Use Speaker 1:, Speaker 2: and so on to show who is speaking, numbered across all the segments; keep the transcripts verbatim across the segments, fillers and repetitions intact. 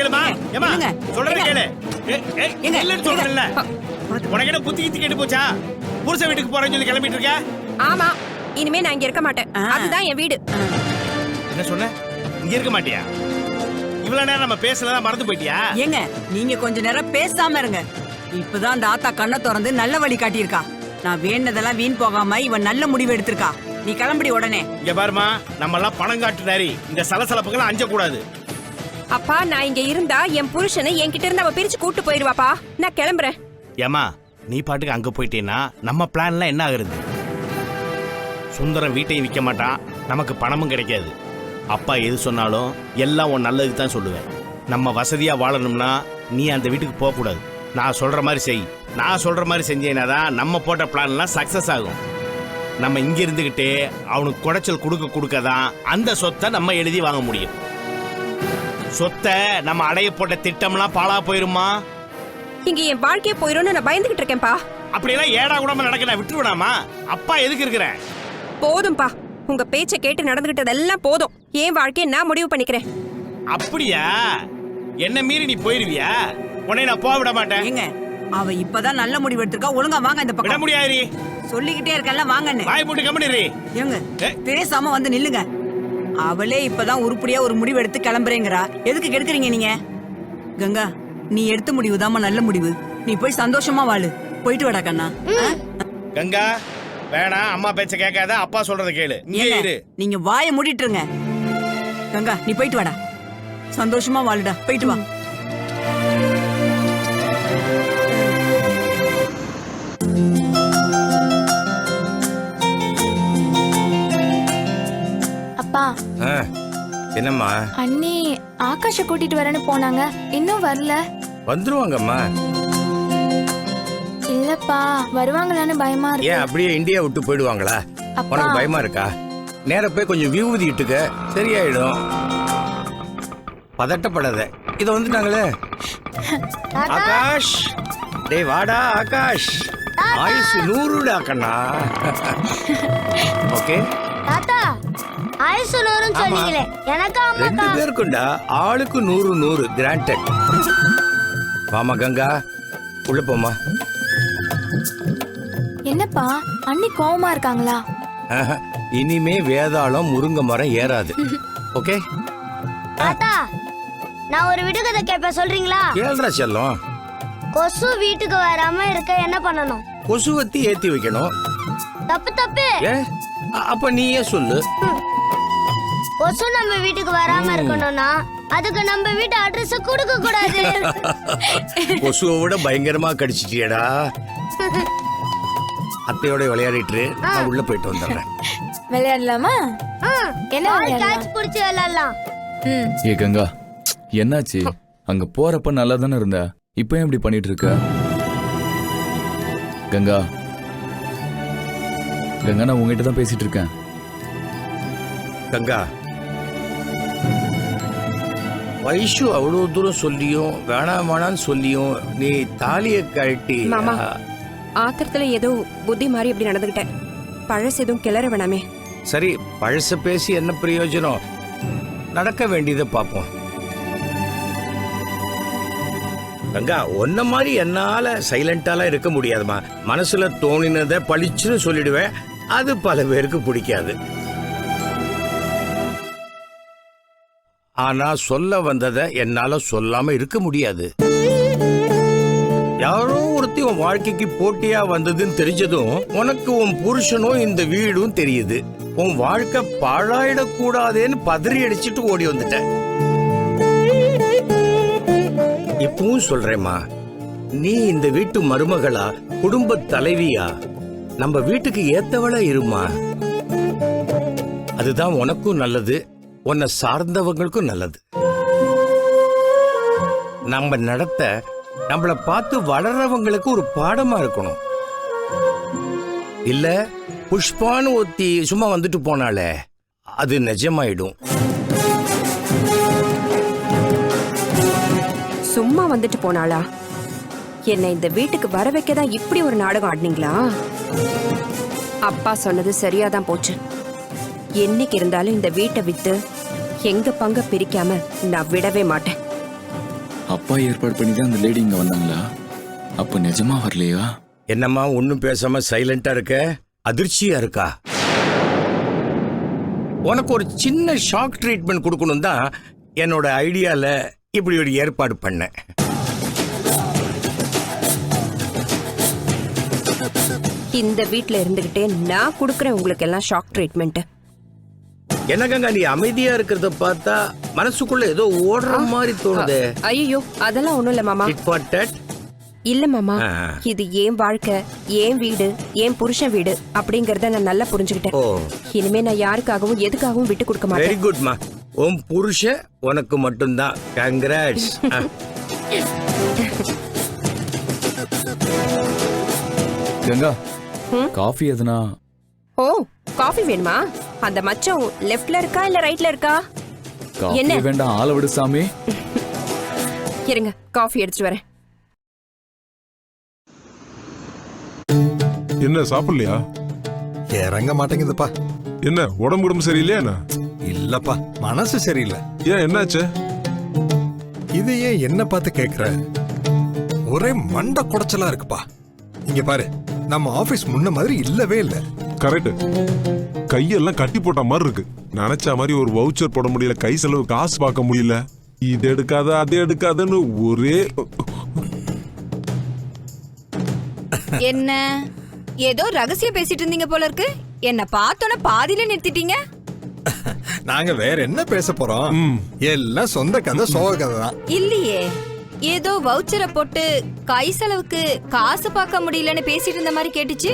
Speaker 1: கேளுமா ஏமா சொல்றத கேளு இல்லன்னு சொல்றல உனக்கு என்ன புத்தி கித்தி கேட்டு போச்சா புருஷ வீட்டுக்கு போறேன்னு சொல்லி கிளம்பிட்டு இருக்க
Speaker 2: ஆமா இனிமே நான் இங்க இருக்க மாட்டேன் அதுதான் என் வீடு
Speaker 1: என்ன சொன்ன இங்க இருக்க மாட்டியா இவ்வளவு நேரம் நம்ம பேசலதான் மறந்து போயிட்டியா
Speaker 3: ஏங்க நீங்க கொஞ்ச நேரம் பேசாம இருங்க இப்பதான் அந்த ஆத்தா கண்ணை திறந்து நல்ல வழி காட்டியிருக்கா நான் வேண்டதெல்லாம் வீண் போகாம இவன் நல்ல முடிவு எடுத்திருக்கா நீ கிளம்படி உடனே
Speaker 1: இங்க பாருமா நம்ம எல்லாம் பணம் காட்டு நாரி இந்த சலசலப்புகளை அஞ்ச கூடாது
Speaker 2: அப்பா நான் இங்க இருந்தா என் புருஷனை என்கிட்ட இருந்து அவ பிரிச்சு கூட்டு போயிருவாப்பா நான் கிளம்புறேன்
Speaker 1: ஏமா நீ பாட்டுக்கு அங்க போயிட்டேன்னா நம்ம பிளான்லாம் என்ன ஆகுறது சுந்தரம் வீட்டையும் விற்க மாட்டான் நமக்கு பணமும் கிடைக்காது அப்பா எது சொன்னாலும் எல்லாம் உன் நல்லதுக்கு தான் சொல்லுவேன் நம்ம வசதியா வாழணும்னா நீ அந்த வீட்டுக்கு போக கூடாது நான் சொல்ற மாதிரி செய் நான் சொல்ற மாதிரி செஞ்சேன்னா தான் நம்ம போட்ட பிளான்லாம் சக்சஸ் ஆகும் நம்ம இங்க இருந்துகிட்டே அவனுக்கு குடைச்சல் கொடுக்க கொடுக்க தான் அந்த சொத்தை நம்ம எழுதி வாங்க முடியும் சொத்தை நம்ம அடைய போட்ட திட்டம்லாம் பாழா போயிருமா
Speaker 2: இங்க என் வாழ்க்கைய போயிரும்னு நான் பயந்துகிட்டு இருக்கேன்ப்பா
Speaker 1: அப்படியெல்லாம் ஏடா கூடாம நடக்க நான் விட்டுருவேனாமா அப்பா எதுக்கு இருக்கிறேன்
Speaker 2: போதும்பா உங்க பேச்ச கேட்டு நடந்துகிட்டதெல்லாம் போதும் என் வாழ்க்கைய நான் முடிவு பண்ணிக்கிறேன்
Speaker 1: அப்படியா என்ன மீறி நீ போயிருவியா உன்னை நான் போக விட மாட்டேன்
Speaker 3: ஏங்க அவ இப்பதான் நல்ல முடிவு எடுத்திருக்கா ஒழுங்கா வாங்க இந்த
Speaker 1: விட
Speaker 3: பக்கம்
Speaker 1: முடியாது
Speaker 3: சொல்லிக்கிட்டே இருக்கல வாங்கன்னு
Speaker 1: வாய் போட்டு கம்பெனி
Speaker 3: ஏங்க பேசாம வந்து நில்லுங்க அவளே இப்பதான் உருப்படியா ஒரு முடிவு எடுத்து கிளம்புறேங்கிறா எதுக்கு கெடுக்குறீங்க நீங்க கங்கா நீ எடுத்த முடிவு தாமா நல்ல முடிவு நீ போய் சந்தோஷமா வாழு போயிட்டு வாடா கண்ணா
Speaker 1: கங்கா வேணாம் அம்மா பேச்ச கேட்காத அப்பா சொல்றத கேளு இங்கே இரு
Speaker 3: நீங்க வாயை மூடிட்டுருங்க கங்கா நீ போயிட்டு வாடா சந்தோஷமா வாழுடா போயிட்டு வா
Speaker 4: அப்பா
Speaker 5: என்னம்மா
Speaker 4: அண்ணி ஆகாஷ கூட்டிட்டு வரேன்னு போனாங்க இன்னும் வரல
Speaker 5: வந்துருவாங்கம்மா
Speaker 4: இல்லப்பா வருவாங்களான்னு பயமா இருக்கு
Speaker 5: ஏன் அப்படியே இந்தியா விட்டு போயிடுவாங்களா உனக்கு பயமா இருக்கா நேர போய் கொஞ்சம் விபூதி இட்டுக்க சரியாயிடும் பதட்டப்படாத இத வந்துட்டாங்களே ஆகாஷ் டேய் வாடா ஆகாஷ் ஆயுசு நூறுடா கண்ணா ஓகே
Speaker 6: தாத்தா ஆயுசு நூறுன்னு சொன்னீங்களே எனக்கு
Speaker 5: ரெண்டு பேருக்குண்டா ஆளுக்கு நூறு நூறு கிராண்டட் வாமா கங்கா உள்ள போமா
Speaker 4: என்னப்பா அண்ணி கோவமா இருக்காங்களா
Speaker 5: இனிமே வேதாளம் முருங்க மரம் ஏறாது ஓகே
Speaker 6: தாத்தா நான் ஒரு விடுகதை கேட்பேன் சொல்றீங்களா
Speaker 5: கேள்றா செல்லம்
Speaker 6: கொசு வீட்டுக்கு வராம இருக்க என்ன பண்ணணும்
Speaker 5: கொசுவத்தி ஏத்தி வைக்கணும்
Speaker 6: தப்பு தப்பு
Speaker 5: ஏ அப்ப நீயே சொல்லு
Speaker 6: கொசு நம்ம வீட்டுக்கு வராம இருக்கணும்னா அதுக்கு நம்ம வீட்டு அட்ரஸ் கொடுக்க கூடாது
Speaker 5: கொசுவை விட பயங்கரமா கடிச்சிட்டியடா அத்தையோட விளையாடிட்டு நான் உள்ள போயிட்டு வந்துடுறேன்
Speaker 4: விளையாடலாமா என்ன
Speaker 6: கேட்ச் புடிச்சு விளையாடலாம்
Speaker 7: ஏ கங்கா என்னாச்சு அங்க போறப்ப நல்லா தானே இருந்த இப்ப எப்படி பண்ணிட்டு இருக்க கங்கா கங்கா நான் உங்ககிட்ட தான் பேசிட்டு இருக்கேன்
Speaker 5: கங்கா வைஷு அவ்வளவு தூரம் சொல்லியும் வேணாம் வேணான்னு சொல்லியும் நீ தாலிய கழட்டி
Speaker 2: மாமா ஆத்திரத்துல ஏதோ புத்தி மாதிரி இப்படி நடந்துகிட்டேன் பழசு எதுவும் கிளற வேணாமே
Speaker 5: சரி பழச பேசி என்ன பிரயோஜனம் நடக்க வேண்டியதை பார்ப்போம் கங்கா ஒன்ன மாதிரி என்னால சைலண்டாலாம் இருக்க முடியாதுமா மனசுல தோணினதை பளிச்சுன்னு சொல்லிடுவேன் அது பல பேருக்கு பிடிக்காது ஆனா சொல்ல வந்ததை என்னால சொல்லாம இருக்க முடியாது யாரோ ஒருத்தி உன் வாழ்க்கைக்கு போட்டியா வந்ததுன்னு தெரிஞ்சதும் உனக்கு உன் புருஷனும் இந்த வீடும் தெரியுது உன் வாழ்க்கை பாழாயிடக்கூடாதேன்னு பதறி அடிச்சுட்டு ஓடி வந்துட்ட இப்பவும் சொல்றேம்மா நீ இந்த வீட்டு மருமகளா குடும்ப தலைவியா நம்ம வீட்டுக்கு ஏத்தவளா இருமா அதுதான் உனக்கும் நல்லது உன்னை சார்ந்தவங்களுக்கும் நல்லது நம்ம நடத்த நம்மள பார்த்து வளர்றவங்களுக்கு ஒரு பாடமா இருக்கணும் இல்ல புஷ்பான்னு ஒத்தி சும்மா வந்துட்டு போனாலே அது நிஜமாயிடும்
Speaker 2: சும்மா வந்துட்டு போனாளா என்ன இந்த வீட்டுக்கு வர வைக்கதான் இப்படி ஒரு நாடகம் ஆடினீங்களா அப்பா சொன்னது சரியாதான் போச்சு என்னைக்கு இருந்தாலும் இந்த வீட்டை வித்து எங்க பங்க பிரிக்காம நான் விடவே மாட்டேன்
Speaker 7: அப்பா ஏற்பாடு பண்ணி தான் அந்த லேடி இங்க வந்தாங்களா? அப்ப நிஜமா வரலையா?
Speaker 5: என்னம்மா ஒன்னும் பேசாம சைலண்டா இருக்க? அதிர்ச்சியா இருக்கா? உனக்கு ஒரு சின்ன ஷாக் ட்ரீட்மெண்ட் கொடுக்கணும் தான் என்னோட ஐடியால இப்படி ஒரு ஏற்பாடு பண்ணேன்.
Speaker 2: இந்த வீட்ல இருந்துகிட்டே நான் கொடுக்கறேன் உங்களுக்கு எல்லாம் ஷாக் ட்ரீட்மெண்ட்.
Speaker 5: என்னங்க நீ அமைதியா இருக்கிறத பார்த்தா மனசுக்குள்ள ஏதோ ஓடுற மாதிரி தோணுது.
Speaker 2: ஐயோ அதெல்லாம் ஒண்ணும் இல்ல மாமா.
Speaker 5: Tit for tat?
Speaker 2: இல்ல மாமா,
Speaker 5: ஆ.
Speaker 2: இது ஏன் வாழ்க்கை, ஏன் வீடு, ஏன் புருஷன் வீடு அப்படிங்கறத நான் நல்லா புரிஞ்சுக்கிட்டேன்.
Speaker 5: ஓ
Speaker 2: இனிமே நான் யாருக்காகவும் எதுக்காகவும் விட்டு கொடுக்க மாட்டேன்.
Speaker 5: வெரி குட்மா. உன் புருஷன் உனக்கு மட்டும்தான். கங்க்ராட்ஸ்.
Speaker 7: கங்கா, காஃபி எதுனா?
Speaker 2: ஓ காஃபி வேணுமா? அந்த மச்சம் லெஃப்ட்ல இருக்கா இல்ல ரைட்ல இருக்கா?
Speaker 7: காஃபி
Speaker 2: என்ன?
Speaker 7: வேண்டாம், ஆள விடு சாமி.
Speaker 2: இருங்க காஃபி எடுத்துட்டு வரேன்.
Speaker 8: என்ன சாப்பிடலையா?
Speaker 9: இறங்க மாட்டேங்குதுப்பா.
Speaker 8: என்ன உடம்பு உடம்பு சரியில்லையா என்ன?
Speaker 9: இல்லப்பா, மனசு சரியில்லை.
Speaker 8: ஏன் என்னாச்சு?
Speaker 9: இது ஏன் என்ன பார்த்து கேக்குற? ஒரே மண்டை குடைச்சலா இருக்குப்பா. இங்க பாரு, நம்ம ஆபீஸ் முன்ன மாதிரி இல்லவே இல்ல.
Speaker 8: கரெக்ட். கையெல்லாம் கட்டி போட்ட மாதிரி இருக்கு. நினைச்ச மாதிரி ஒரு வவுச்சர் போட முடியல, கை செலவு காசு பார்க்க முடியல. இது எடுக்காத அது எடுக்காதன்னு ஒரே.
Speaker 10: என்ன ஏதோ ரகசியம் பேசிட்டு இருந்தீங்க போல இருக்கு. என்ன பார்த்தோன்னே பாதியில நிறுத்திட்டீங்க.
Speaker 9: நாங்க வேற என்ன பேச போறோம்? எல்லாம் சொந்த கதை, சோக கதை தான்.
Speaker 10: இல்லையே, ஏதோ வவுச்சரை போட்டு கை செலவுக்கு காசு பார்க்க முடியலன்னு பேசிட்டு இருந்த மாதிரி கேட்டுச்சு.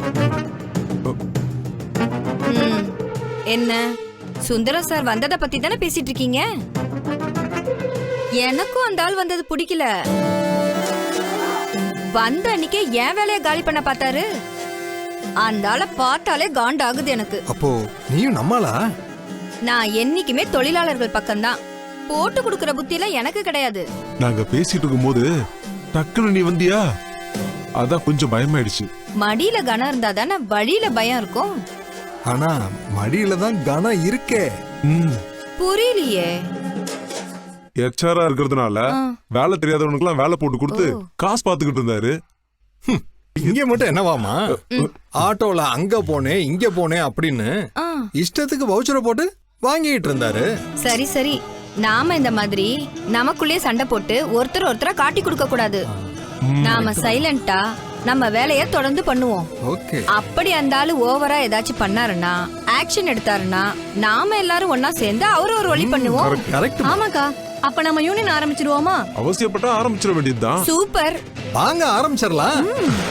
Speaker 10: ம், என்ன சுந்தரம் சார் வந்ததை பத்தி தானே பேசிட்டு இருக்கீங்க? எனக்கும் அந்த ஆள் வந்தது பிடிக்கல. வந்த அன்னைக்கே என் வேலையை காலி பண்ண பார்த்தாரு. அந்த ஆளை பார்த்தாலே காண்டாகுது எனக்கு.
Speaker 9: அப்போ நீயும் நம்மளா?
Speaker 10: நான் என்னைக்குமே தொழிலாளர்கள் பக்கம்தான். போட்டு கொடுக்கற புத்தியெல்லாம் எனக்கு கிடையாது.
Speaker 8: நாங்க பேசிட்டு இருக்கும் போது டக்குன்னு நீ வந்தியா, அதான் கொஞ்சம் பயமாயிடுச்சு.
Speaker 10: மடியில கனம் இருந்தா தானே வழியில பயம் இருக்கும்.
Speaker 9: ஆனா மடியில தான் கனம் இருக்கே.
Speaker 8: ம்
Speaker 10: புரியலையே.
Speaker 8: எச்ஆரா இருக்கிறதுனால வேலை தெரியாதவனுக்கு எல்லாம் வேலை போட்டு கொடுத்து காசு பாத்துக்கிட்டு இருந்தாரு.
Speaker 9: இங்க மட்டும் என்னவாமா, ஆட்டோல அங்க போனேன் இங்க போனேன் அப்படின்னு
Speaker 10: ஆ,
Speaker 9: இஷ்டத்துக்கு வவுச்சரை போட்டு வாங்கிட்டு இருந்தாரு.
Speaker 10: சரி சரி, நாம இந்த மாதிரி நமக்குள்ளே சண்டை போட்டு ஒருத்தர் ஒருத்தர காட்டி கொடுக்க கூடாது. நாம சைலண்டா நம்ம வேலைய தொடர்ந்து பண்ணுவோம்.
Speaker 9: ஓகே.
Speaker 10: அப்படி அந்த ஆளு ஓவரா ஏதாச்சும் பண்ணாருன்னா, ஆக்ஷன் எடுத்தாருன்னா, நாம எல்லாரும் ஒன்னா சேர்ந்து அவரு ஒரு வழி பண்ணுவோம்.
Speaker 9: கரெக்ட்.
Speaker 10: ஆமாக்கா, அப்ப நம்ம யூனியன் ஆரம்பிச்சிருவோமா?
Speaker 8: அவசியப்பட்டா ஆரம்பிச்சிட வேண்டியதுதான்.
Speaker 10: சூப்பர்,
Speaker 9: வாங்க ஆரம்பிச்சிடலாம்.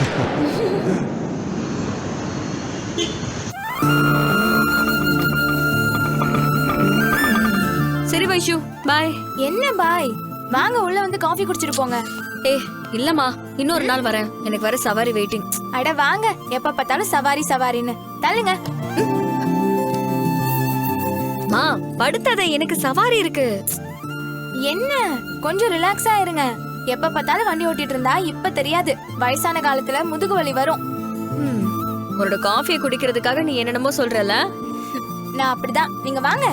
Speaker 10: சரி வைஷு, பாய்.
Speaker 4: என்ன பாய்? வாங்க உள்ள வந்து காஃபி குடிச்சிட்டு போங்க.
Speaker 10: ஏ இல்லம்மா, இன்னொரு நாள் வரேன். எனக்கு வர சவாரி வெயிட்டிங்.
Speaker 4: அட வாங்க, எப்ப பார்த்தாலும் சவாரி சவாரின்னு தள்ளுங்க.
Speaker 10: மா படுத்தாத, எனக்கு சவாரி இருக்கு.
Speaker 4: என்ன கொஞ்சம் ரிலாக்ஸா இருங்க. எப்ப பார்த்தாலும் வண்டி ஓட்டிட்டு இருந்தா இப்ப தெரியாது, வயசான காலத்துல முதுகு வலி வரும்.
Speaker 10: ம், உன்னோட காஃபியை குடிக்கிறதுக்காக நீ என்னென்னமோ சொல்றல.
Speaker 4: நான் அப்படிதான், நீங்க வாங்க.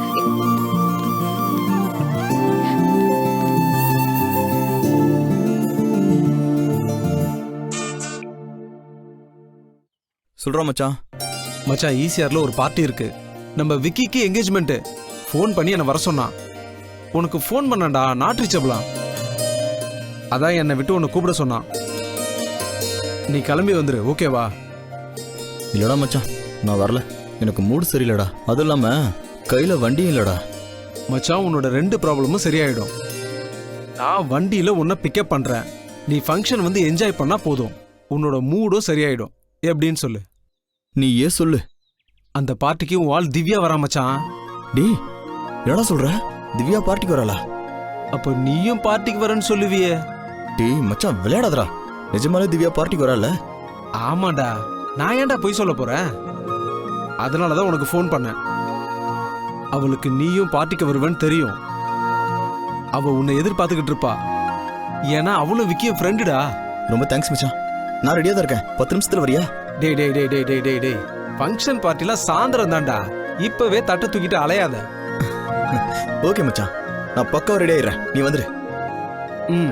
Speaker 11: சொல்றோம் மச்சான்.
Speaker 12: மச்சான் ஈசிஆர்ல ஒரு பார்ட்டி இருக்கு. நம்ம விக்கிக்கு என்கேஜ்மெண்ட். ஃபோன் பண்ணி என்ன வர சொன்னான். உனக்கு ஃபோன் பண்ணடா, நாட் ரீச்சபிளாம். அதான் என்னை விட்டு உன்னை கூப்பிட சொன்னான். நீ கிளம்பி வந்துரு, ஓகேவா?
Speaker 11: இல்லடா மச்சான், நான் வரல. எனக்கு மூடு சரியில்லடா. அதுவும் இல்லாம கையில வண்டியும் இல்லடா.
Speaker 12: மச்சான் உன்னோட ரெண்டு ப்ராப்ளமும் சரியாயிடும். நான் வண்டியில உன்னை பிக்கப் பண்றேன். நீ ஃபங்க்ஷன் வந்து என்ஜாய் பண்ணா போதும். உன்னோட மூடும் சரியாயிடும். எப்படின்னு சொல்லு.
Speaker 11: நீ ஏன் சொல்லு.
Speaker 12: அந்த பார்ட்டிக்கு உன் ஆள் திவ்யா வரா மச்சான்.
Speaker 11: டேய் என்னடா சொல்ற? திவ்யா பார்ட்டிக்கு வரலா?
Speaker 12: அப்போ நீயும் பார்ட்டிக்கு வரேன்னு சொல்லுவியே.
Speaker 11: டேய் மச்சான் விளையாடாதடா. நிஜமாலே திவ்யா பார்ட்டிக்கு வரல?
Speaker 12: ஆமாடா, நான் ஏன்டா போய் சொல்ல போறேன்? அதனாலதான் உனக்கு ஃபோன் பண்ணேன். அவளுக்கு நீயும் பார்ட்டிக்கு வருவேன்னு தெரியும். அவ உன்னை எதிர்பார்த்துக்கிட்டு இருப்பா. ஏன்னா அவளும் விக்கிய ஃப்ரெண்டுடா.
Speaker 11: ரொம்ப தேங்க்ஸ் மச்சான். நான் ரெடியா தான் இருக்கேன். பத்து நிமிஷத்துல வரியா?
Speaker 12: டேய் டேய் டேய் டேய் டேய் டேய் டேய் ஃபங்க்ஷன் பார்ட்டில சாயந்தரம் தான்டா. இப்பவே தட்டை தூக்கிட்டு அலையாத.
Speaker 11: ஓகே மச்சான், நான் பக்காவா ரெடி ஆயிடுறேன். நீ வந்துரு.
Speaker 12: ம்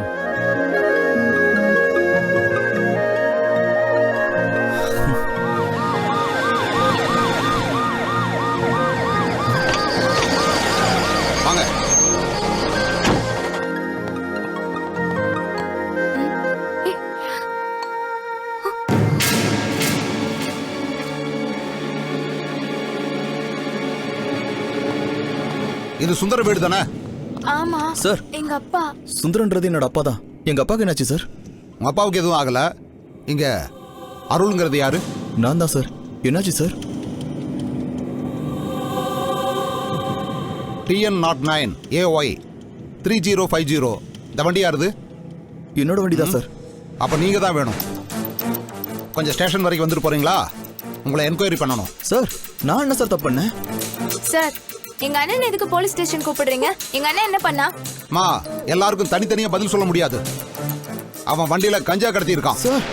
Speaker 13: வாங்க. இது சுந்தர வீடு தானே?
Speaker 4: ஆமா
Speaker 11: சார்.
Speaker 4: எங்க அப்பா.
Speaker 11: சுந்தரன்றது என்னோட அப்பா தான். எங்க அப்பாவுக்கு என்னாச்சு சார்?
Speaker 13: உங்க அப்பாவுக்கு எதுவும் ஆகல. இங்க அருள்ங்கிறது யாரு?
Speaker 11: நான் தான் சார். என்னாச்சு sir?
Speaker 13: TN nought nine AY three zero five zero இந்த வண்டி யாருது?
Speaker 11: என்னோட வண்டி தான் சார்.
Speaker 13: அப்ப நீங்க தான் வேணும். கொஞ்சம் ஸ்டேஷன் வரைக்கும் வந்துட்டு போறீங்களா? உங்களை என்கொயரி பண்ணணும்.
Speaker 11: சார் நான் என்ன சார் தப்பு பண்ணேன்?
Speaker 4: சார் எங்க அண்ணன் எதுக்கு போலீஸ் ஸ்டேஷன் கூப்பிடுறீங்க? எங்க அண்ணன் என்ன பண்ணா?
Speaker 13: மா எல்லாருக்கும் தனித்தனியா பதில் சொல்ல முடியாது. அவன் வண்டியில கஞ்சா கடத்தி இருக்கான்
Speaker 11: சார்.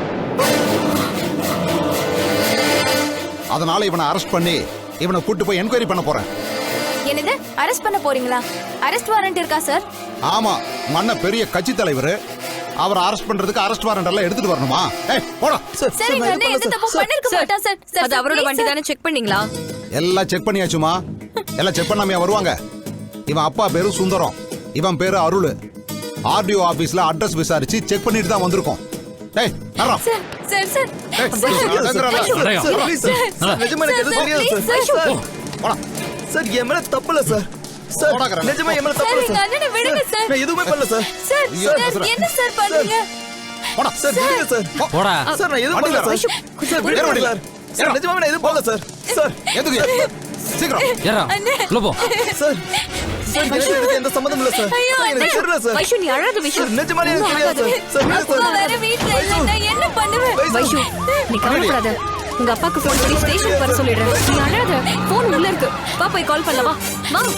Speaker 13: அதனால இவனை அரெஸ்ட் பண்ணி இவனை கூட்டு போய் என்கொயரி பண்ண போறேன்.
Speaker 4: என்னது அரெஸ்ட் பண்ண போறீங்களா? அரெஸ்ட் வாரண்ட் இருக்கா சார்?
Speaker 13: ஆமா, மன்ன பெரிய கட்சி தலைவர். அவரை அரெஸ்ட் பண்றதுக்கு அரெஸ்ட் வாரண்ட் எல்லாம் எடுத்துட்டு வரணுமா? ஏய் போடா.
Speaker 4: சார் எங்க அண்ணன் எந்த தப்பு பண்ணிருக்க மாட்டா சார். சார்
Speaker 10: அது அவரோட வண்டி தானே, செக் பண்ணீங்களா?
Speaker 13: எல்லாம் செக் பண்ணியாச்சுமா. எல்லாம் செக் பண்ணாமையா வருவாங்க? இவன் அப்பா பேரு சுந்தரம், இவன் பேரு அருள். ஆர்டிஓ ஆபீஸ்ல அட்ரஸ் விசாரிச்சு செக் பண்ணிட்டு தான் வந்திருக்கோம். டேய் நரா.
Speaker 4: சார் சார் சார்
Speaker 13: டேய் நரா.
Speaker 11: Sir please sir. நிஜமா எனக்கு எதுவும் தெரியாது சார். சார்
Speaker 13: போடா.
Speaker 11: சார் என் மேல தப்பு இல்ல சார். சார் நிஜமா என் மேல தப்பு இல்ல
Speaker 4: எங்க
Speaker 11: சார்.
Speaker 4: அண்ணனை விடுங்க சார்.
Speaker 11: நான் எதுவுமே பண்ணல சார்.
Speaker 4: சார் சார் என்ன சார் பண்றீங்க?
Speaker 13: போடா.
Speaker 11: சார் விடுங்க சார்.
Speaker 13: போடா.
Speaker 11: சார் நான் எதுவும் பண்ணல சார். சார் விடுங்க சார். சார் நிஜமா நான் எதுவும் பண்ணல சார். சார்
Speaker 13: எதுக்கு? சீக்கிரம்
Speaker 11: ஏறா. உள்ள போ. சார் சார் எனக்கு எந்த சம்பந்தம் இல்ல சார்.
Speaker 4: ஐயோ,
Speaker 11: சார் எனக்கு தெரியல சார்.
Speaker 10: வைஷு நீ அழாத வைஷு.
Speaker 11: சார் நிஜமா எனக்கு தெரியாது சார். சார் விடுங்க
Speaker 4: அப்பா
Speaker 11: சார்.
Speaker 4: வேற வீட்ல இல்ல, நான் என்ன பண்ணுவேன்?
Speaker 10: வைஷு நீ கவலைப்படாத. உங்க அப்பாக்கு ஃபோன் பண்ணி ஸ்டேஷன் வர சொல்லிடுறேன். நீ அழாத. ஃபோன் உள்ள இருக்கு. வா போய் கால் பண்ணலாம். வா வா.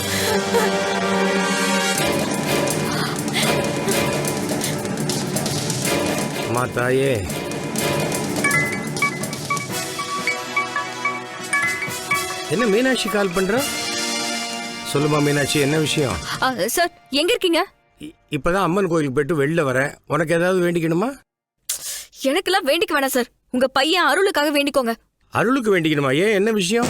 Speaker 5: அம்மா தாயே, என்ன மீனாட்சி கால் பண்ற? சொல்லுமா மீனாட்சி, என்ன விஷயம்?
Speaker 10: ஆ, சார் எங்க இருக்கீங்க?
Speaker 5: இ- இப்பதான் அம்மன் கோயிலுக்கு போயிட்டு வெளில வரேன். உனக்கு ஏதாவது வேண்டிக்கணுமா?
Speaker 10: எனக்கெல்லாம் வேண்டிக்க வேணாம் சார். உங்க பையன் அருளுக்காக வேண்டிக்கோங்க.
Speaker 5: அருளுக்கு வேண்டிக்கணுமா? ஏன், என்ன விஷயம்?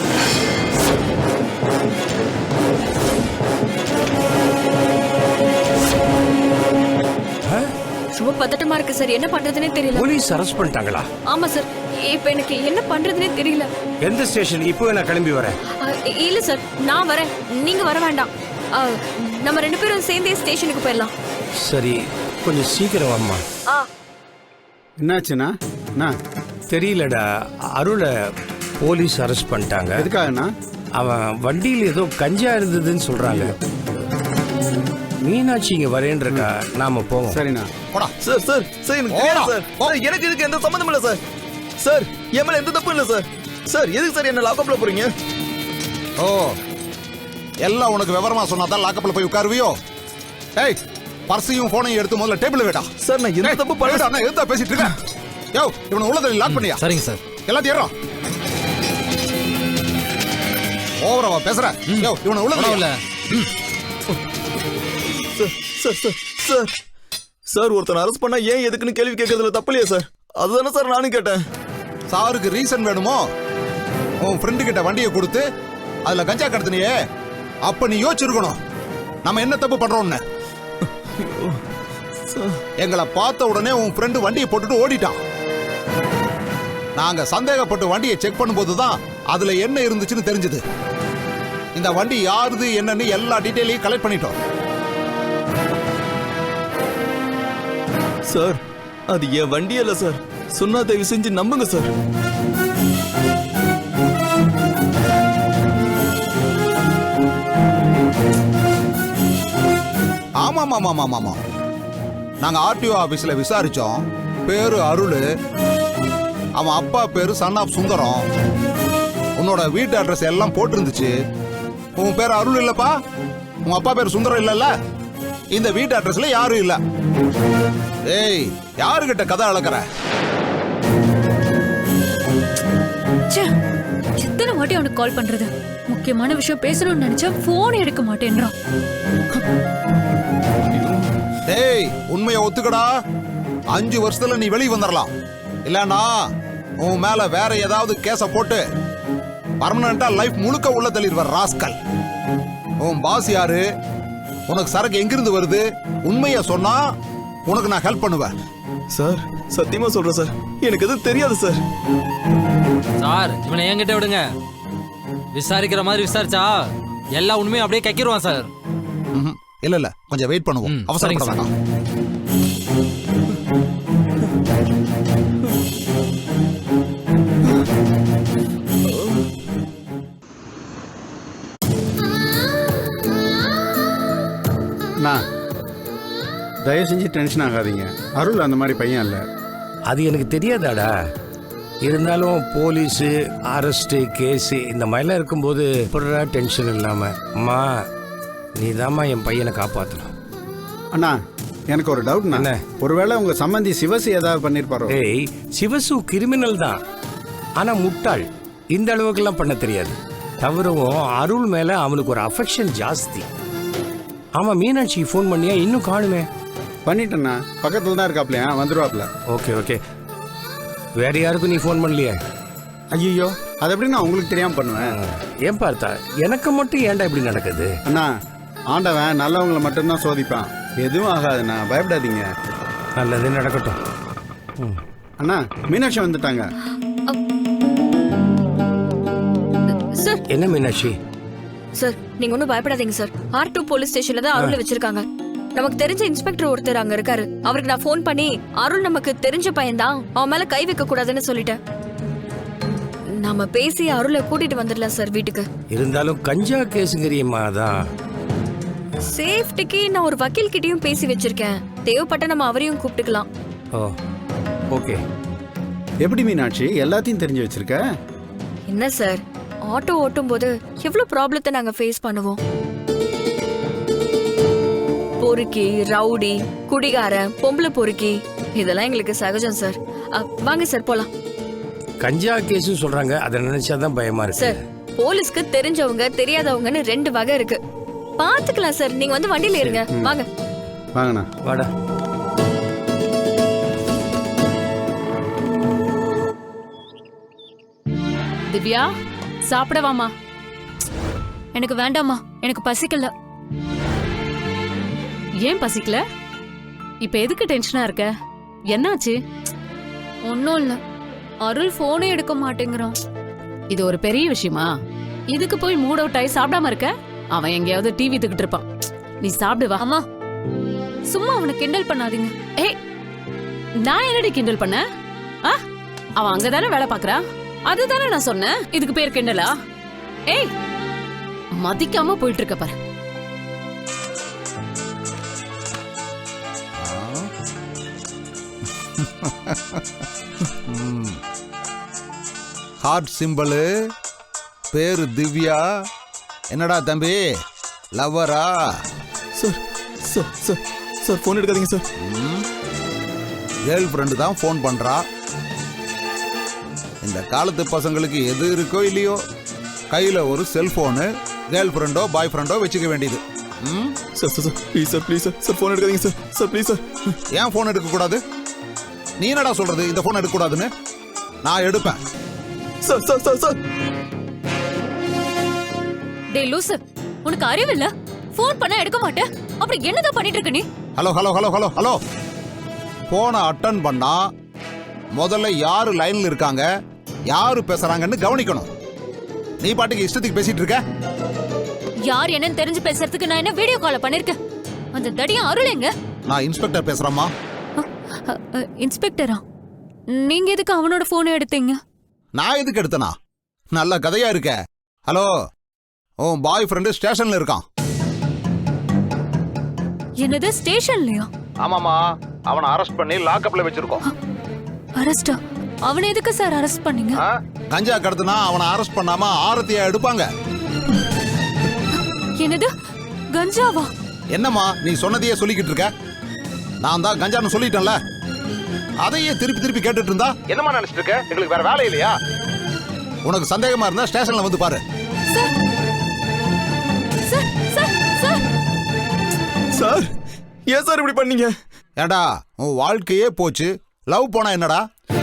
Speaker 10: ரொம்ப பதட்டமா இருக்கு சார். என்ன பண்றதுனே தெரியல.
Speaker 5: போலீஸ் அரெஸ்ட் பண்ணிட்டாங்களா?
Speaker 10: ஆமா சார். இப்ப எனக்கு என்ன பண்றதுனே தெரியல.
Speaker 5: எந்த ஸ்டேஷன்? இப்போ நான் கிளம்பி வரேன்.
Speaker 10: ஆ, இல்ல சார் நான் வரேன். நீங்க வர வேண்டாம். ஆ, நம்ம ரெண்டு பேரும் சேர்ந்தே ஸ்டேஷனுக்கு போயிடலாம்.
Speaker 5: சரி, கொஞ்சம் சீக்கிரம் வாம்மா.
Speaker 10: ஆ
Speaker 12: என்னாச்சுண்ணா? அண்ணா
Speaker 5: தெரியலடா, அருளை போலீஸ் அரெஸ்ட் பண்ணிட்டாங்க.
Speaker 12: எதுக்காகண்ணா?
Speaker 5: அவன் வண்டியில் ஏதோ கஞ்சா இருந்ததுன்னு சொல்றாங்க. மீனாட்சி இங்க வரேன்றக்கா, நாம போவோம்.
Speaker 12: சரிண்ணா.
Speaker 13: போடா.
Speaker 11: சார் சார் சார் எனக்கு தெரியாது சார். சார், எனக்கு இதுக்கு எந்த சம்பந்தம் இல்ல சார். சார் என் மேல எந்த தப்பும் இல்ல சார். சார் எதுக்கு சார் என்ன லாக்அப்ல போறீங்க?
Speaker 13: ஓ, எல்லாம் உனக்கு விவரமா சொன்னாதான் லாக்கப்ல போய் உட்காருவியோ? டேய் பர்ஸையும் போனையும் எடுத்து முதல்ல டேபிள் வைடா.
Speaker 11: சார் நான் எந்த தப்பு பண்ணல.
Speaker 13: அண்ணா எதுதா பேசிட்டு இருக்க? யோ இவனை உள்ளத லாக் பண்ணியா?
Speaker 11: சரிங்க சார்.
Speaker 13: எல்லாத்தையும் ஏறா. ஓவரவா பேசுற? யோ இவனை உள்ளத இல்ல.
Speaker 11: Sir sir sir sir sir ஒருத்தன் அரெஸ்ட் பண்ணா ஏன் எதுக்குன்னு கேள்வி கேட்கறதுல தப்பு இல்லையா சார்? அதுதானே சார் நானும் கேட்டேன்.
Speaker 13: சாருக்கு ரீசன் வேணுமோ? உன் ஃப்ரெண்டு கிட்ட வண்டியை கொடுத்து அதுல கஞ்சா கடத்தினியே, அப்ப நீ யோசிச்சிருக்கணும் நம்ம என்ன தப்பு பண்றோம்னு. எங்களை பார்த்த உடனே உன் ஃப்ரெண்டு வண்டியை போட்டுட்டு ஓடிட்டான். நாங்க சந்தேகப்பட்டு வண்டியை செக் பண்ணும்போது தான் அதுல என்ன இருந்துச்சுன்னு தெரிஞ்சது. இந்த வண்டி யாருது என்னன்னு எல்லா டீட்டெயிலையும் கலெக்ட் பண்ணிட்டோம்.
Speaker 11: சார் அது என் வண்டி இல்ல சார். சொன்னா தயவு செஞ்சு நம்புங்க சார்.
Speaker 13: ஆமா ஆமா ஆமா ஆமா நாங்க ஆர்டிஓ ஆபீஸ்ல விசாரிச்சோம். பேரு அருள், அவன் அப்பா பேரு சன் ஆஃப் சுந்தரம். உன்னோட வீட்டு அட்ரஸ் எல்லாம் போட்டிருந்துச்சு. உன் பேர் அருள் இல்லப்பா, உன் அப்பா பேர் சுந்தரம் இல்லல்ல. இந்த வீட்டு அட்ரஸ்ல யாரும் இல்ல. ஏய் யாருகிட்ட கதை அளக்குற?
Speaker 10: எத்தனை வாட்டி அவனுக்கு கால் பண்றது? முக்கியமான விஷயம் பேசணும்னு நினைச்சா போன் எடுக்க மாட்டேன்றான்.
Speaker 13: டேய் உண்மையை ஒத்துக்கடா. அஞ்சு வருஷத்துல நீ வெளியே வந்துடலாம். இல்லன்னா உன் மேல வேற ஏதாவது கேஸ போட்டு பர்மனண்டா லைஃப் முழுக்க உள்ள தள்ளிடுவார் ராஸ்கல். உன் பாஸ் யாரு, உனக்கு சரக்கு எங்கிருந்து வருது, உண்மைய சொன்னா உனக்கு நான் ஹெல்ப் பண்ணுவேன்.
Speaker 11: சார் சத்தியமா சொல்றேன் சார், எனக்கு எதுவும் தெரியாது சார்.
Speaker 14: சார் இவனை என்கிட்ட விடுங்க. விசாரிக்கிற மாதிரி விசாரிச்சா எல்லா உண்மையும் அப்படியே கக்கிடுவான் சார்.
Speaker 13: இல்ல இல்ல கொஞ்சம் வெயிட் பண்ணுவோம், அவசரப்பட வேண்டாம்.
Speaker 15: தயவு செஞ்சு டென்ஷன் ஆகாதீங்க. அருள் அந்த மாதிரி பையன் இல்லை.
Speaker 5: அது எனக்கு தெரியாதாடா. இருந்தாலும் போலீஸு அரெஸ்ட்டு கேஸு இந்த மாதிரிலாம் இருக்கும்போது எப்படா டென்ஷன் இல்லாமல் அம்மா நீ தாம்மா என் பையனை காப்பாற்றணும்.
Speaker 15: அண்ணா எனக்கு ஒரு டவுட்ண்ணா. ஒருவேளை உங்கள் சம்பந்தி சிவசு ஏதாவது பண்ணியிருப்பாரோ?
Speaker 5: ஏய் சிவசு கிரிமினல் தான், ஆனால் முட்டாள். இந்த அளவுக்குலாம் பண்ண தெரியாது. தவிரவும் அருள் மேலே அவனுக்கு ஒரு அஃபெக்ஷன் ஜாஸ்தி. ஆமாம் மீனாட்சி ஃபோன் பண்ணியா? இன்னும் காணுமே.
Speaker 15: பண்ணிட்டேண்ணா, பக்கத்தில் தான் இருக்காப்லையா, வந்துடுவாப்ல.
Speaker 5: Okay okay. வேற யாருக்கும் நீ ஃபோன் பண்ணலையே?
Speaker 15: ஐயோ அது எப்படி நான் உங்களுக்கு தெரியாமல் பண்ணுவேன்?
Speaker 5: ஏன் பார்த்தா எனக்கு மட்டும் ஏன்டா இப்படி நடக்குது?
Speaker 15: அண்ணா ஆண்டவன் நல்லவங்களை மட்டும்தான் சோதிப்பான். எதுவும் ஆகாதுண்ணா, பயப்படாதீங்க.
Speaker 5: நல்லது நடக்கட்டும்.
Speaker 15: அண்ணா மீனாட்சி வந்துட்டாங்க.
Speaker 2: சார்
Speaker 5: என்ன மீனாட்சி?
Speaker 2: சார் நீங்க ஒன்றும் பயப்படாதீங்க சார். ஆர் டூ போலீஸ் ஸ்டேஷன்ல தான் அருளை வச்சிருக்காங்க. நமக்கு தெரிஞ்ச இன்ஸ்பெக்டர் ஒருத்தர் அங்க இருக்காரு. அவருக்கு நான் ஃபோன் பண்ணி அருள் நமக்கு தெரிஞ்ச பையன்தான், அவன் மேல கை வைக்க கூடாதுன்னு சொல்லிட்டேன். நாம பேசி அருளை கூட்டிட்டு வந்துடலாம் சார் வீட்டுக்கு.
Speaker 5: இருந்தாலும் கஞ்சா கேஸுங்கிறியம்மா தான்.
Speaker 2: சேஃப்டிக்கு நான் ஒரு வக்கீல் கிட்டயும் பேசி வச்சிருக்கேன். தேவைப்பட்ட நம்ம அவரையும் கூப்பிட்டுக்கலாம்.
Speaker 5: ஓ ஓகே.
Speaker 15: எப்படி மீனாட்சி எல்லாத்தையும் தெரிஞ்சு வச்சிருக்க?
Speaker 2: என்ன சார், ஆட்டோ ஓட்டும் போது எவ்வளவு ப்ராப்ளத்தை நாங்க ஃபேஸ் பண்ணுவோம். பொறுக்கி, ரவுடி, குடிகாரன், பொம்பளை பொறுக்கி, இதெல்லாம் எங்களுக்கு சகஜம் சார். வாங்க சார் போலாம்.
Speaker 5: கஞ்சா கேஸ் சொல்றாங்க, அதை நினைச்சாதான் பயமா இருக்கு
Speaker 2: சார். போலீஸ்க்கு தெரிஞ்சவங்க தெரியாதவங்கன்னு ரெண்டு வகை இருக்கு. பாத்துக்கலாம் சார், நீங்க வந்து வண்டியில இருங்க. வாங்க
Speaker 15: வாங்கண்ணா.
Speaker 5: வாடா.
Speaker 10: திவ்யா சாப்பிடவாமா? எனக்கு வேண்டாமா, எனக்கு பசிக்கல. ஏன் பசிக்கல? இப்ப எதுக்கு டென்ஷனா இருக்க? என்னாச்சு? ஒன்னும் இல்ல, அருள் போனே எடுக்க மாட்டேங்கிறான். இது ஒரு பெரிய விஷயமா? இதுக்கு போய் மூட் அவுட் ஆகி சாப்பிடாம இருக்க? அவன் எங்கேயாவது டிவி தூக்கிட்டு இருப்பான். நீ சாப்பிடுவா. அம்மா சும்மா அவனை கிண்டல் பண்ணாதீங்க. ஏய் நான் என்னடி கிண்டல் பண்ண? அவன் அங்கதானே வேலை பாக்குறா, அதுதானே நான் சொன்னேன். இதுக்கு பேர் கிண்டலா? ஏய் மதிக்காம போயிட்டு இருக்க பாரு.
Speaker 13: ஹார்ட் சிம்பிளு, பேரு திவ்யா. என்னடா தம்பி லவ்வரா?
Speaker 11: Sir sir sir sir phone எடுக்காதீங்க சார்.
Speaker 13: கேர்ள் ஃப்ரெண்டு தான் ஃபோன் பண்றா. இந்த காலத்து பசங்களுக்கு எது இருக்கோ இல்லையோ கையில ஒரு செல்போனு, கேர்ள் ஃப்ரெண்டோ பாய் ஃப்ரெண்டோ வச்சுக்க வேண்டியது.
Speaker 11: Sir sir sir please sir please sir sir phone எடுக்காதீங்க சார் சார் ப்ளீஸ் சார்.
Speaker 13: ஏன் ஃபோன் எடுக்க கூடாது? நீ என்னடா சொல்றது இந்த ஃபோன் எடுக்க கூடாதுன்னு? நான் எடுப்பேன்.
Speaker 11: சார் சார் சார் சார்
Speaker 10: டேய் லூசு, உனக்கு அறிவு இல்ல? ஃபோன் பண்ணா எடுக்க மாட்டே, அப்புறம் என்னதான் பண்ணிட்டு இருக்க நீ?
Speaker 13: Hello hello hello hello hello போனை அட்டன் பண்ணா முதல்ல யாரு லைன்ல இருக்காங்க, யாரு பேசுறாங்கன்னு கவனிக்கணும். நீ பாட்டுக்கு இஷ்டத்துக்கு பேசிட்டு இருக்க.
Speaker 10: யார் என்னன்னு தெரிஞ்சு பேசுறதுக்கு நான் என்ன வீடியோ கால் பண்ணிருக்கேன்? அந்த தடியா அருள் எங்க?
Speaker 13: நான் இன்ஸ்பெக்டர் பேசுறேம்மா.
Speaker 10: இன்ஸ்பெக்டரா? நீங்க எதுக்கு அவனோட போனை எடுத்தீங்க?
Speaker 13: நான் எதுக்கு எடுத்தனா? நல்ல கதையா இருக்க. ஹலோ, உன் பாய் ஃப்ரெண்டு ஸ்டேஷன்ல இருக்கான்.
Speaker 10: என்னது ஸ்டேஷன்லயா?
Speaker 13: ஆமாமா, அவனை அரெஸ்ட் பண்ணி லாக்அப்ல வச்சிருக்கோம்.
Speaker 10: அரெஸ்டா? அவனை எதுக்கு சார் அரெஸ்ட் பண்ணீங்க?
Speaker 13: கஞ்சா கடத்துனா அவனை அரெஸ்ட் பண்ணாம ஆரத்தியா எடுப்பாங்க.
Speaker 10: என்னது கஞ்சாவா?
Speaker 13: என்னம்மா நீ சொன்னதையே சொல்லிக்கிட்டு இருக்க? நான் தான் கஞ்சான்னு சொல்லிட்டேன்ல, அதையே திருப்பி திருப்பி கேட்டுட்டு இருந்தா என்னமா நினைச்சிட்டு இருக்க? எங்களுக்கு வேற வேலை இல்லையா? உனக்கு சந்தேகமா இருந்தா ஸ்டேஷன்ல வந்து பாரு.
Speaker 11: சார் ஏன் சார் இப்படி பண்ணீங்க?
Speaker 13: ஏண்டா உன் வாழ்க்கையே போச்சு, லவ் போனா என்னடா?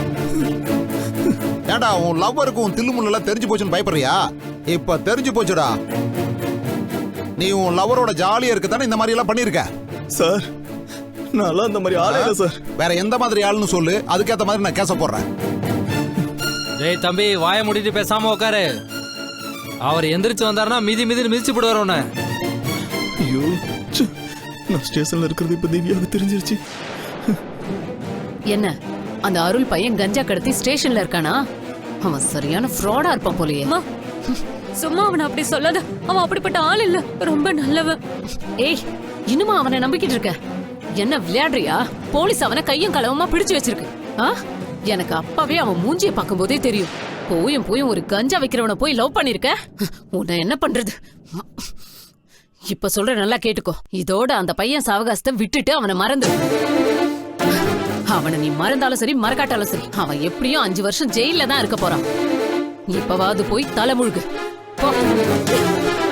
Speaker 13: ஏண்டா உன் லவ்வருக்கு உன் தில்லுமுள்ளெல்லாம் தெரிஞ்சு போச்சுன்னு பயப்படுறியா? இப்ப தெரிஞ்சு போச்சுடா. நீ உன் லவரோட ஜாலியா இருக்க தானே இந்த மாதிரி எல்லாம் பண்ணிருக்க.
Speaker 11: சார் நான் அந்த மாதிரி ஆளே இல்லை சார்.
Speaker 13: வேற எந்த மாதிரி ஆளுன்னு சொல்லு, அதுக்கேற்ற மாதிரி நான் கேச போடுறேன்.
Speaker 14: டேய் தம்பி, வாயை மூடிட்டு பேசாம உட்காரு. அவர் எந்திரிச்சு வந்தாருன்னா மிதி மிதி மிதிச்சு போடுவார் உன்னை.
Speaker 11: ஐயோ, ச்சே. நான் ஸ்டேஷன்ல இருக்கிறது இப்ப திவ்யாவுக்கு தெரிஞ்சிருச்சு.
Speaker 10: என்ன அந்த அருள் பையன் கஞ்சா கடத்தி ஸ்டேஷன்ல இருக்கானா? அவன் சரியான ஃப்ராடா இருப்பான் போலயே.
Speaker 2: அம்மா, சும்மா அவனை அப்படி சொல்லாத. அவன் அப்படிப்பட்ட ஆள் இல்ல, ரொம்ப நல்லவன்.
Speaker 10: ஏய், இன்னுமா அவனை நம்பிக்கிட்டு இருக்க? என்ன விளையாடுறியா? போலீஸ் அவனை கையும் களவுமா பிடிச்சு வச்சிருக்கு. ஆ? எனக்கு அப்பவே அவன் மூஞ்சிய பார்க்கும் போதே தெரியும். போயும் போயும் ஒரு கஞ்சா வைக்கிறவனை போய் லவ் பண்ணிருக்க. உன்னை என்ன பண்றது? இப்ப சொல்ற நல்லா கேட்டுக்கோ. இதோட அந்த பையன் சாவகாசத்தை விட்டுட்டு அவனை மறந்து. அவனை நீ மறந்தாலும் சரி மறக்காட்டாலும் சரி, அவன் எப்படியும் அஞ்சு வருஷம் ஜெயில தான் இருக்க போறான். இப்பவாவது போய் தலைமுழுகு போ.